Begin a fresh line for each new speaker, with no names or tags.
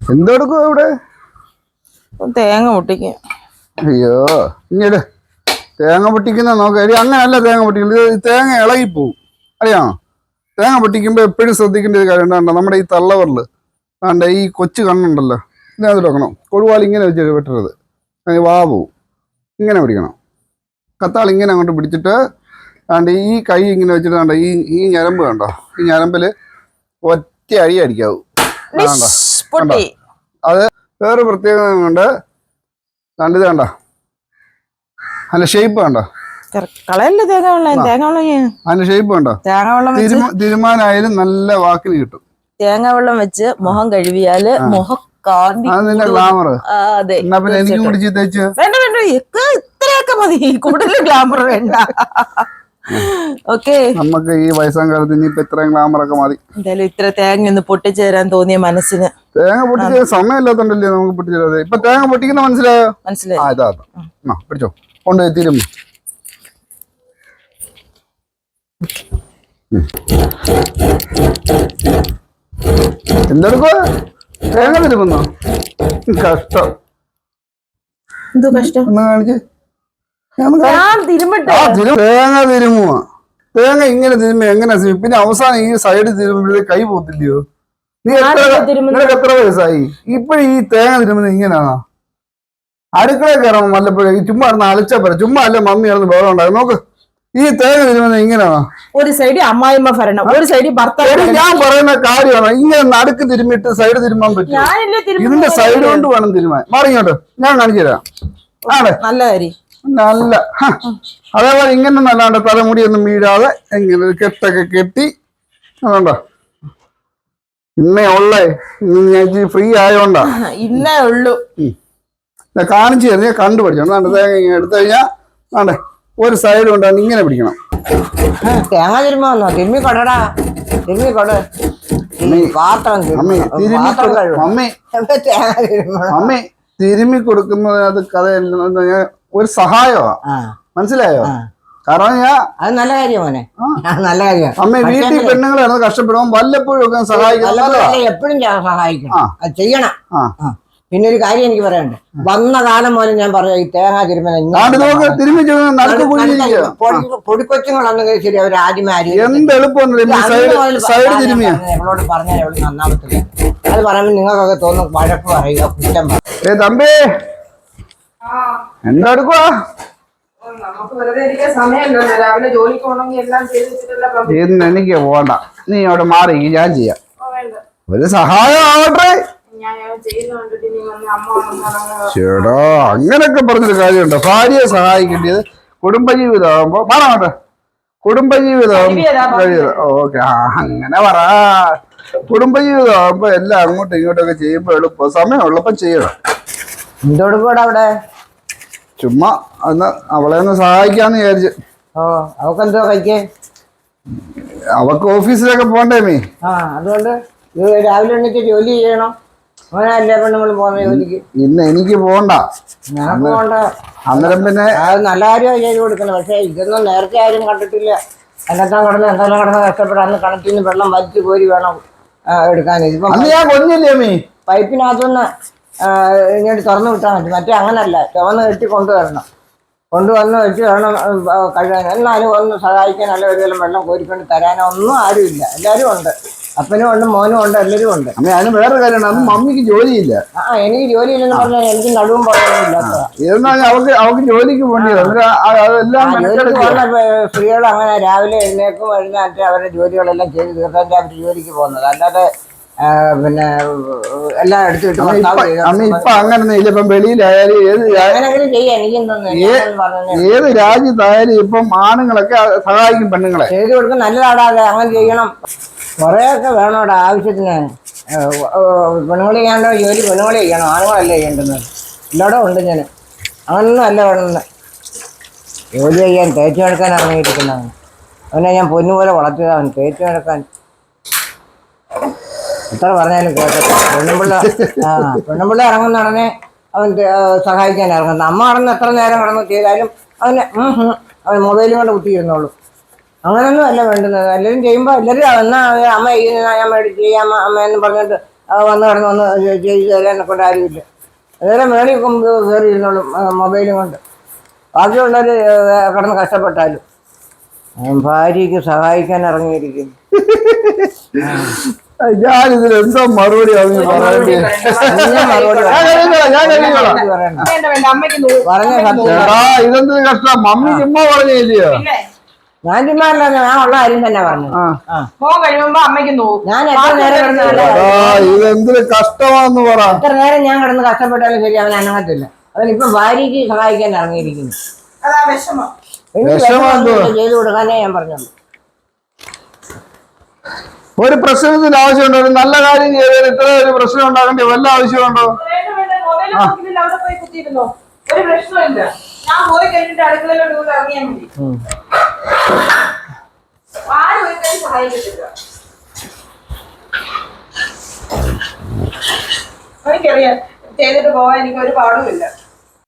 എന്തെടുക്കും ഇവിടെ?
തേങ്ങ പൊട്ടിക്കും.
അയ്യോ, ഇങ്ങോട്ട് തേങ്ങ പൊട്ടിക്കുന്ന നോക്കാം. അങ്ങനെയല്ല തേങ്ങ പൊട്ടിക്കുന്നത്, തേങ്ങ ഇളകിപ്പോവും. അറിയാമോ? തേങ്ങ പൊട്ടിക്കുമ്പോൾ എപ്പോഴും ശ്രദ്ധിക്കേണ്ട ഒരു കാര്യം എന്താ, നമ്മുടെ ഈ തള്ളവറില് ആണ്ട് ഈ കൊച്ചു കണ്ണുണ്ടല്ലോ, ഇതിനകത്ത് വെക്കണം. കൊടുവാൾ ഇങ്ങനെ വെച്ച് വെട്ടരുത്, വാ പോവും. ഇങ്ങനെ പിടിക്കണം. കത്താൾ ഇങ്ങനെ അങ്ങോട്ട് പിടിച്ചിട്ട് ആണ്ട് ഈ കൈ ഇങ്ങനെ വെച്ചിട്ട് കണ്ടോ, ഈ ഞരമ്പ് കണ്ടോ, ഈ ഞരമ്പിൽ ഒറ്റ അടി അടിക്കാവൂ. കണ്ടോ? അത് വേറെ പ്രത്യേകത കൊണ്ട് കണ്ടത് കണ്ടോ, അതിന്റെ ഷേപ്പ് കണ്ടോ, അതിന്റെ ഷേപ്പ് കണ്ടോ. തീരുമാനമായാലും നല്ല വാക്കിന് കിട്ടും.
തേങ്ങ വെള്ളം വെച്ച് മുഖം കഴുകിയാല് മുഖം
അതിന്റെ ഗ്ലാമർ. എന്നാ പിന്നെ എനിക്ക് പിടിച്ച് തേച്ച്
വേണ്ട വേണ്ട, ഇത്രയൊക്കെ മതി, കൂടുതൽ ഗ്ലാമർ വേണ്ട. ഓക്കെ,
നമുക്ക് ഈ വയസ്സാം കാലത്ത് ഇനിയിപ്പോ ഇത്രയും ഗ്ലാമറൊക്കെ മതി.
എന്തായാലും ഇത്ര തേങ്ങ ഒന്ന് പൊട്ടിച്ചേരാൻ തോന്നിയ മനസ്സിന്.
തേങ്ങ പൊട്ടിച്ച സമയമില്ലാത്തോണ്ടല്ലേ നമുക്ക് പൊട്ടിച്ചേരാതെ. ഇപ്പൊ തേങ്ങ പൊട്ടിക്കുന്ന മനസ്സിലായോ?
മനസ്സിലായി.
ഇതാ പിടിച്ചോ, കൊണ്ടുപോയി തിരുമ്പ. എന്തെടുക്കോ? തേങ്ങ തിരുമ്പോ? കഷ്ടം.
എന്തോ കഷ്ടം?
ഒന്ന് കാണിച്ച്. തേങ്ങ തിരുമുക. തേങ്ങ ഇങ്ങനെ തിരുമ്പ എങ്ങനെ? പിന്നെ അവസാനം ഈ സൈഡ് തിരുമ്പഴേ കൈ പോത്തില്ലയോ? നിനക്ക് എത്ര വയസ്സായി? ഇപ്പഴും ഈ തേങ്ങ തിരുമ്പുന്നത് ഇങ്ങനെയാണോ? അടുക്കളയിൽ കയറാൻ വല്ലപ്പോഴും ചുമ്മാ ഇരുന്ന് അലച്ചാ പറ. ചുമ്മാ അല്ല മമ്മി ഇറന്ന് ബഹളം ഉണ്ടാകും. നോക്ക്, ഈ തേങ്ങ തിരുമ്പുന്നത് ഇങ്ങനെയാണോ?
ഒരു സൈഡ് അമ്മായിമ്മ ഭരണം, ഒരു സൈഡ് ഭർത്താവ്.
ഞാൻ പറയുന്ന കാര്യമാണോ? ഇങ്ങനെ നടുക്ക് തിരുമ്മിട്ട് സൈഡ് തിരുമ്പാൻ പറ്റും? ഇതിന്റെ സൈഡ് കൊണ്ട് വേണം തിരുമാൻ. മാറിങ്ങോട്ട്, ഞാൻ കാണിച്ചു തരാം. ആണ്
നല്ല കാര്യം.
നല്ല അതേപോലെ ഇങ്ങനെ നല്ലാണ്ട് തലമുടിയൊന്നും വീഴാതെ എങ്ങനെ കെട്ടൊക്കെ കെട്ടി. അതുകൊണ്ടോ ഇന്നേ ഉള്ളേ, ഞാൻ ഫ്രീ ആയോണ്ടാ
ഇന്നേ ഉള്ളു.
കാണിച്ചു തരുന്ന കണ്ടുപിടിച്ചോണ്ട് തേങ്ങ ഇങ്ങനെ എടുത്തു കഴിഞ്ഞാൽ ആണ്ടേ ഒരു സൈഡ് കൊണ്ടാണ് ഇങ്ങനെ പിടിക്കണം.
തേങ്ങ തിരുമ്മോ? തിരുമ്മി കൊടടാ, തിരുമ്മി കൊട.
അമ്മേ തിരുമ്മി കൊടുക്കുന്നത് അത് കഥയല്ല, ഒരു സഹായമാ. മനസ്സിലായോ? കാരണം
അത് നല്ല കാര്യമാണ്, നല്ല കാര്യമാണ്.
അമ്മ വീട്ടിൽ പെണ്ണുങ്ങളാണ് കഷ്ടപ്പെടുമ്പോൾ വല്ലപ്പോഴും ഒക്കെ സഹായിക്കണം.
എപ്പോഴും സഹായിക്കണം, അത് ചെയ്യണം. പിന്നെ ഒരു കാര്യം എനിക്ക് പറയാനുണ്ട്. വന്ന കാലം മുതൽ ഞാൻ പറയാം, ഈ തേങ്ങ പൊടിക്കൊച്ചുങ്ങളാണെങ്കിൽ ശരി, അവർ ആദ്യമേ എവളോട് പറഞ്ഞാൽ എവള് നന്നാവത്തില്ല. അത് പറയുമ്പോൾ നിങ്ങൾക്കൊക്കെ തോന്നും വഴക്ക് പറയുക, കുറ്റം പറയും.
തമ്പി എന്താ എടുക്കുവാ? ഇന്ന് എനിക്ക് പോണ്ട, നീ അവിടെ മാറി, ഞാൻ ചെയ്യാം. ഒരു സഹായം ആവട്ടെ. ചേടാ, അങ്ങനൊക്കെ പറഞ്ഞൊരു കാര്യമുണ്ടോ? ഭാര്യയെ സഹായിക്കേണ്ടത് കുടുംബജീവിതമാകുമ്പോ മാറാട്ടെ. കുടുംബജീവിതം ഓക്കെ, അങ്ങനെ പറ. കുടുംബജീവിതമാകുമ്പോ എല്ലാം അങ്ങോട്ടും ഇങ്ങോട്ടൊക്കെ ചെയ്യുമ്പോ എളുപ്പം, സമയമുള്ളപ്പം ചെയ്യണം.
എന്തോടുകൂടെ അവിടെ
ചുമ്മാ ഒന്ന് അവളെ ഒന്ന് സഹായിക്കാന്ന് വിചാരിച്ചു.
അവക്കെന്തോ കഴിക്കേ?
അവക്ക് ഓഫീസിലൊക്കെ പോണ്ടേ മീ.
അതുകൊണ്ട് രാവിലെ എണീറ്റ് ജോലി ചെയ്യണം. അങ്ങനെയല്ലേ പെണ്ണുങ്ങൾ പോകുന്ന ജോലിക്ക്?
ഇന്ന് എനിക്ക് പോണ്ട.
പോണ്ട.
അന്നേരം പിന്നെ
അത് നല്ല കാര്യമാണ് ചെയ്ത് കൊടുക്കണം. പക്ഷെ ഇതൊന്നും നേരത്തെ ആരും കണ്ടിട്ടില്ല. എന്തെല്ലാം കടന്ന് കഷ്ടപ്പെടാം. അന്ന് കിണറ്റിൽ നിന്ന് വെള്ളം വലിച്ചു കോരി വേണം എടുക്കാൻ. ഇതിപ്പം
ഞാൻ കൊഞ്ഞില്ലേ മീ,
പൈപ്പിനകത്തുനിന്ന് ഇങ്ങോട്ട് തുറന്നു വിട്ടാൽ മതി. മറ്റേ അങ്ങനല്ല, ചുവന്ന് കെട്ടി കൊണ്ടുവന്ന് വെച്ച് വേണം കഴുകാൻ. എന്നാലും ഒന്ന് സഹായിക്കാൻ, അല്ല ഒരു വെള്ളം വെള്ളം കോരിക്കൊണ്ട് തരാനോ ഒന്നും ആരുമില്ല. എല്ലാവരും ഉണ്ട്, അപ്പനും ഉണ്ട്, മോനും ഉണ്ട്, എല്ലാവരും ഉണ്ട്.
അമ്മ അതിന് വേറെ കാര്യമാണ്, അന്ന് മമ്മിക്ക് ജോലിയില്ല.
എനിക്ക് ജോലിയില്ലെന്ന് പറഞ്ഞാൽ എനിക്ക് നടുവും പറയാനില്ല.
അവക്ക് ജോലിക്ക് പോകേണ്ടത്
സ്ത്രീകൾ അങ്ങനെ രാവിലെ എഴുന്നേക്കും, എഴുന്നേറ്റ് അവരുടെ ജോലികളെല്ലാം ചെയ്ത് തീർക്കാൻ അവർ ജോലിക്ക് പോകുന്നത്. അല്ലാതെ പിന്നെ എല്ലാം എടുത്തിട്ട്
ഇപ്പൊ അങ്ങനെ ഇല്ല. ഇപ്പം വെളിയിലായാലും ഏത് രാജ്യത്തായാലും ഇപ്പം ആണുങ്ങളൊക്കെ സഹായിക്കും പെണ്ണുങ്ങളെ.
ചെയ്ത് കൊടുക്കും, നല്ലതാടാതെ അങ്ങനെ ചെയ്യണം. കുറേയൊക്കെ വേണോടാ ആവശ്യത്തിന്. പെണ്ണുങ്ങൾ ചെയ്യാണ്ടോ ജോലി പെണ്ണുങ്ങൾ ചെയ്യണം, ആണുങ്ങളല്ലേ ചെയ്യേണ്ടുന്നത്. എല്ലായിടും ഉണ്ട് ഞാൻ. അങ്ങനൊന്നും അല്ല വേണമെന്ന്. ജോലി ചെയ്യാൻ തേച്ചു നടക്കാൻ ഇറങ്ങിയിരിക്കുന്നവൻ. അവനെ ഞാൻ പൊന്നുപോലെ വളർത്തിയതാണ്, തേച്ചു നടക്കാൻ. എത്ര പറഞ്ഞാലും കേട്ടോ. പെണ്ണുമ്പിള്ള ഇറങ്ങുന്ന ഉടനെ അവൻ സഹായിക്കാൻ ഇറങ്ങുന്നത്. അമ്മ കടന്ന് എത്ര നേരം കടന്ന് ചെയ്താലും അവൻ മൊബൈലും കൊണ്ട് കുത്തിയിരുന്നുള്ളൂ. അങ്ങനൊന്നും അല്ല വേണ്ടുന്നത്. എല്ലാവരും ചെയ്യുമ്പോൾ എല്ലാവരും എന്നാ അമ്മ ചെയ്യുന്ന ഞാൻ മേടിച്ച് ചെയ്യാം അമ്മ എന്ന് പറഞ്ഞിട്ട് വന്ന് കിടന്ന് ഒന്ന് ചെയ്ത് തരാനെ കൊണ്ട് ആരുമില്ല. അതുപോലെ മേളിൽ കയറി ഇരുന്നോളും മൊബൈലും കൊണ്ട്. ബാക്കിയുള്ളവർ കിടന്ന് കഷ്ടപ്പെട്ടാലും ഭാര്യയ്ക്ക് സഹായിക്കാൻ ഇറങ്ങിയിരിക്കുന്നു.
ഞാനിതിൽ എന്തോ മറുപടി
പറഞ്ഞ
ഇതെന്ത് കഷ്ടം, മമ്മി ചുമ്മാ പറഞ്ഞില്ലയോ?
ഞാൻ ചുമ്മാല്ല, ഞാൻ ഉള്ള കാര്യം തന്നെ പറഞ്ഞു. ഞാൻ എത്ര നേരം
ഇതെന്തൊരു കഷ്ടമാന്ന് പറ.
എത്ര നേരം ഞാൻ കിടന്ന് കഷ്ടപ്പെട്ടാലും ശരി അവൻ അനങ്ങത്തില്ല. അവനിപ്പം ഭാര്യയ്ക്ക് സഹായിക്കാൻ ഇറങ്ങിയിരിക്കുന്നു. ചെയ്തു കൊടുക്കാനേ ഞാൻ പറഞ്ഞുള്ളൂ.
ഒരു പ്രശ്നത്തിന് ആവശ്യമുണ്ടോ? ഒരു നല്ല കാര്യം ചെയ്താൽ ഇത്ര ഒരു പ്രശ്നം ഉണ്ടാകേണ്ട വല്ല ആവശ്യമുണ്ടോ?
ഒരു പ്രശ്നമില്ല. ഞാൻ പോയി കഴിഞ്ഞിട്ട് അടുക്കളയിലോട്ട് ഇറങ്ങിയാൽ മതി. ആരും ഒരു കാര്യം സഹായിക്കത്തില്ല. എനിക്കറിയാം ചെയ്തിട്ട് പോകാൻ എനിക്ക് ഒരു പാടുമില്ല.